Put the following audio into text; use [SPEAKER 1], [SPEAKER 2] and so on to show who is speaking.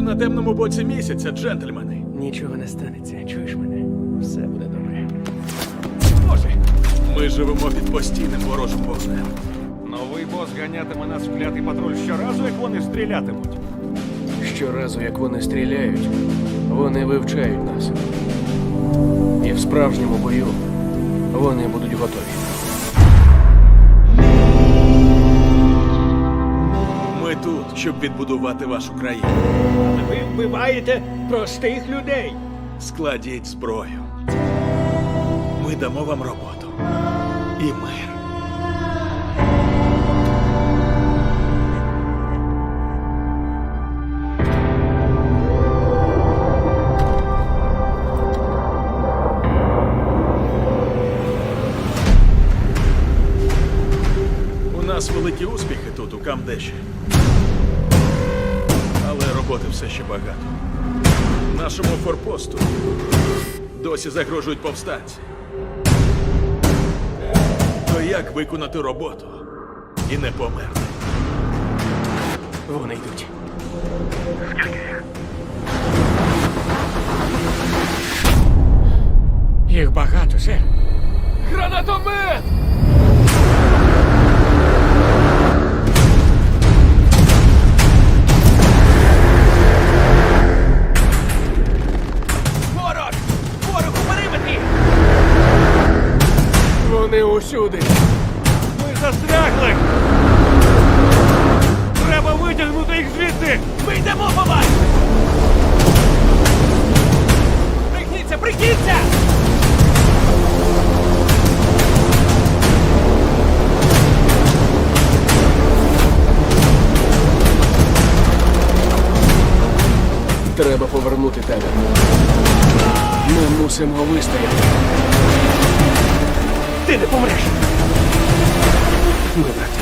[SPEAKER 1] на темному боці місяця, джентльмени.
[SPEAKER 2] Нічого не станеться, чуєш мене? Все буде добре.
[SPEAKER 1] Боже, ми живемо під постійним ворожим вогнем.
[SPEAKER 3] Новий бос ганятиме нас в клятий патруль щоразу, як вони стрілятимуть.
[SPEAKER 2] Щоразу, як вони стріляють, вони вивчають нас. І в справжньому бою вони будуть готові.
[SPEAKER 1] Ми тут, щоб відбудувати вашу країну.
[SPEAKER 4] Ви вбиваєте простих людей.
[SPEAKER 1] Складіть зброю. Ми дамо вам роботу. І мир. У нас великі успіхи тут, у Камдеші. Але роботи все ще багато. Нашому форпосту досі загрожують повстанці. То як виконати роботу і не померти?
[SPEAKER 2] Вони йдуть.
[SPEAKER 4] Їх багато, сер.
[SPEAKER 1] Гранатомет!
[SPEAKER 4] Ворог! Ворог у периметрі!
[SPEAKER 2] Вони усюди.
[SPEAKER 3] Ми застрягли! Треба витягнути їх звідси!
[SPEAKER 4] Ми йдемо по вас! Пригніться, пригніться!
[SPEAKER 2] Треба повернути тебе. Ми мусимо вистояти.
[SPEAKER 4] Ти не помреш!
[SPEAKER 2] Ми брати.